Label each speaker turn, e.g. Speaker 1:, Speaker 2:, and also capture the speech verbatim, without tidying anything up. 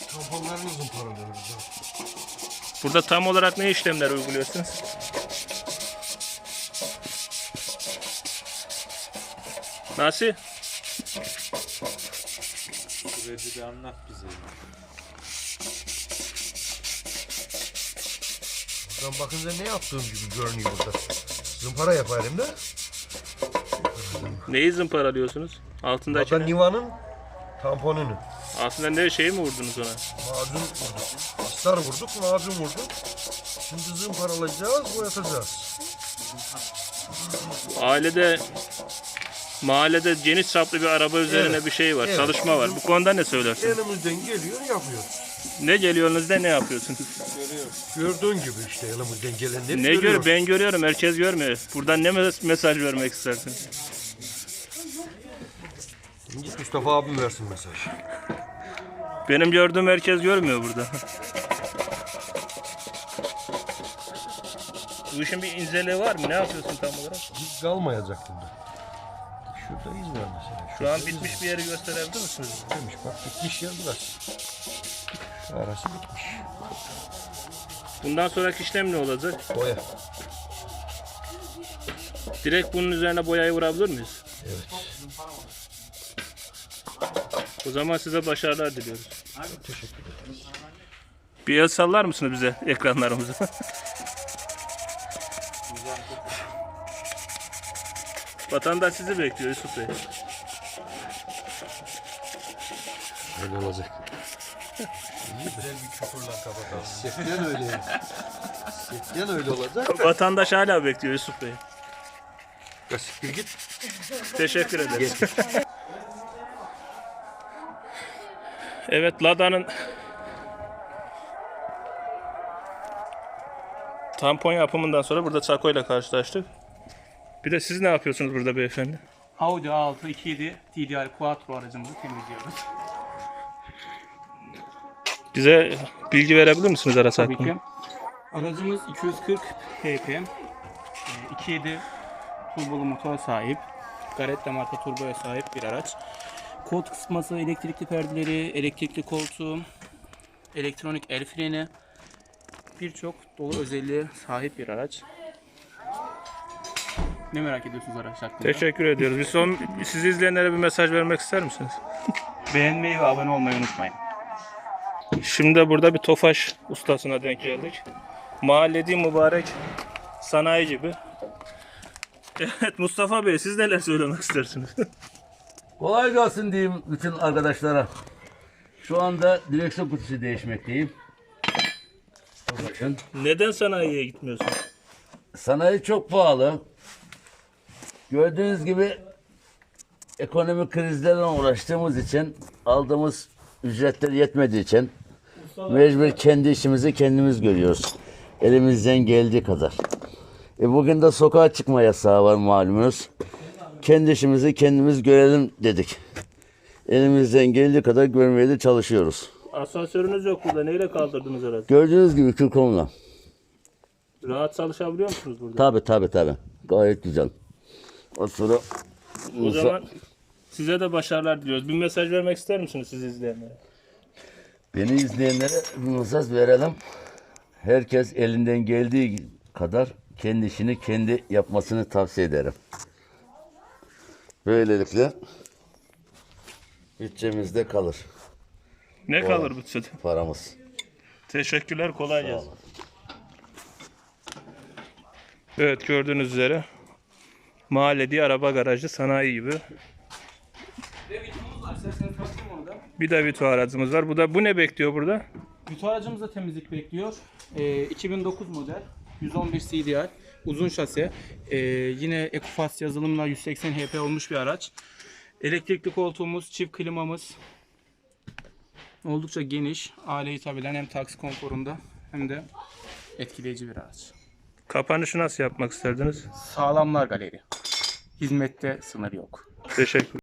Speaker 1: Tamponlarını zımparalıyoruz.
Speaker 2: Burada tam olarak ne işlemler uyguluyorsunuz? Nasıl?
Speaker 3: Süreci de anlat bize.
Speaker 1: Ben bakınca ne yaptığım gibi görünüyor burada. Zımpara yapayım da.
Speaker 2: Neyi zımparalıyorsunuz? Altındaki
Speaker 1: Burada
Speaker 2: ne?
Speaker 1: Niva'nın tamponunu.
Speaker 2: Aslında ne şey mi vurdunuz ona?
Speaker 1: Macun vurduk. Astar vurduk, macun vurduk. Şimdi zımparalayacağız, boyatacağız.
Speaker 2: Ailede, mahallede geniş çaplı bir araba üzerine
Speaker 1: Evet,
Speaker 2: bir şey var,
Speaker 1: evet.
Speaker 2: çalışma var. Bu konuda ne söylersiniz?
Speaker 1: Elimizden geliyor, yapıyoruz.
Speaker 2: Ne geliyorsunuz ne yapıyorsunuz?
Speaker 1: Gördüğün gibi işte elimizden gelenleri
Speaker 2: Ne gör?
Speaker 1: görüyoruz.
Speaker 2: Ben görüyorum, herkes görmüyor. Buradan ne mes- mesaj vermek istersiniz?
Speaker 1: Git Mustafa abim versin mesaj.
Speaker 2: Benim gördüğüm herkes görmüyor burada. Bu işin bir inceliği var mı? Ne yapıyorsun tam olarak?
Speaker 1: Hiç kalmayacak burada. Şurada iz var mesela.
Speaker 2: Şu an bitmiş bir yeri gösterebilir misiniz?
Speaker 1: Demiş bak bitmiş yer burası. Şu arası bitmiş.
Speaker 2: Bundan sonraki işlem ne olacak?
Speaker 1: Boya.
Speaker 2: Direkt bunun üzerine boyayı vurabilir miyiz?
Speaker 1: Evet.
Speaker 2: O zaman size başarılar diliyoruz.
Speaker 1: Teşekkür ederim.
Speaker 2: Bir el sallar mısınız bize ekranlarımıza? Vatandaş sizi bekliyor Yusuf Bey.
Speaker 1: Öyle olacak. Güzel bir küfürle kapatalım. Seften öyle. Seften öyle olacak.
Speaker 2: Vatandaş hala bekliyor Yusuf Bey.
Speaker 1: Ya siktir git.
Speaker 2: Teşekkür ederiz. Evet, Lada'nın tampon yapımından sonra burada Çako ile karşılaştık. Bir de siz ne yapıyorsunuz burada beyefendi?
Speaker 4: Audi A altı iki yedi T D I Quattro aracımızı temizliyoruz.
Speaker 2: Bize bilgi verebilir misiniz araç
Speaker 4: Tabii
Speaker 2: hakkında?
Speaker 4: ki. Aracımız iki yüz kırk P P, iki yedi turbolu motor sahip, Garetta marka turboya sahip bir araç. Koltuk ısıtması, elektrikli perdeleri, elektrikli koltuğu, elektronik el freni, birçok dolu özelliğe sahip bir araç. Ne merak ediyorsunuz araç hakkında?
Speaker 2: Teşekkür ediyoruz. Bir son sizi izleyenlere bir mesaj vermek ister misiniz?
Speaker 4: Beğenmeyi ve abone olmayı unutmayın.
Speaker 2: Şimdi de burada bir Tofaş ustasına denk geldik. Mahalledi mübarek sanayi gibi. Evet Mustafa Bey, siz neler söylemek istersiniz?
Speaker 5: Kolay gelsin diyeyim bütün arkadaşlara. Şu anda direksiyon kutusu değişmekteyim. Bakın.
Speaker 2: Neden sanayiye gitmiyorsun?
Speaker 5: Sanayi çok pahalı. Gördüğünüz gibi ekonomik krizlerle uğraştığımız için, aldığımız ücretler yetmediği için mecbur kendi işimizi kendimiz görüyoruz. Elimizden geldiği kadar. E bugün de sokağa çıkma yasağı var malumunuz. Kendi işimizi kendimiz görelim dedik. Elimizden geldiği kadar görmeye de çalışıyoruz.
Speaker 2: Asansörünüz yok burada. Neyle kaldırdınız herhalde?
Speaker 5: Gördüğünüz gibi kürkomla.
Speaker 2: Rahat çalışabiliyor musunuz burada?
Speaker 5: Tabi tabi tabi. Gayet güzel. O sonra
Speaker 2: O zaman size de başarılar diliyoruz. Bir mesaj vermek ister misiniz siz izleyenlere?
Speaker 5: beni izleyenlere bir mesaj verelim. Herkes elinden geldiği kadar kendi işini kendi yapmasını tavsiye ederim. Böylelikle bütçemizde kalır
Speaker 2: Ne kalır bütçede?
Speaker 5: paramız.
Speaker 2: Teşekkürler, kolay gelsin. Evet, gördüğünüz üzere mahalledi araba garajı sanayi gibi.
Speaker 4: Ve vitomuz var. İsterseniz tanıtayım onu da.
Speaker 2: Bir de Vito aracımız var. Bu da bu ne bekliyor burada?
Speaker 4: Vito aracımızda temizlik bekliyor. Ee, iki bin dokuz model. yüz on bir C D I. Uzun şase. Ee, yine Ecofast yazılımla yüz seksen H P olmuş bir araç. Elektrikli koltuğumuz, çift klimamız. Oldukça geniş. Aile hitap eden hem taksi konforunda hem de etkileyici bir araç.
Speaker 2: Kapanışı nasıl yapmak isterdiniz?
Speaker 4: Sağlamlar galeri. Hizmette sınır yok.
Speaker 2: Teşekkür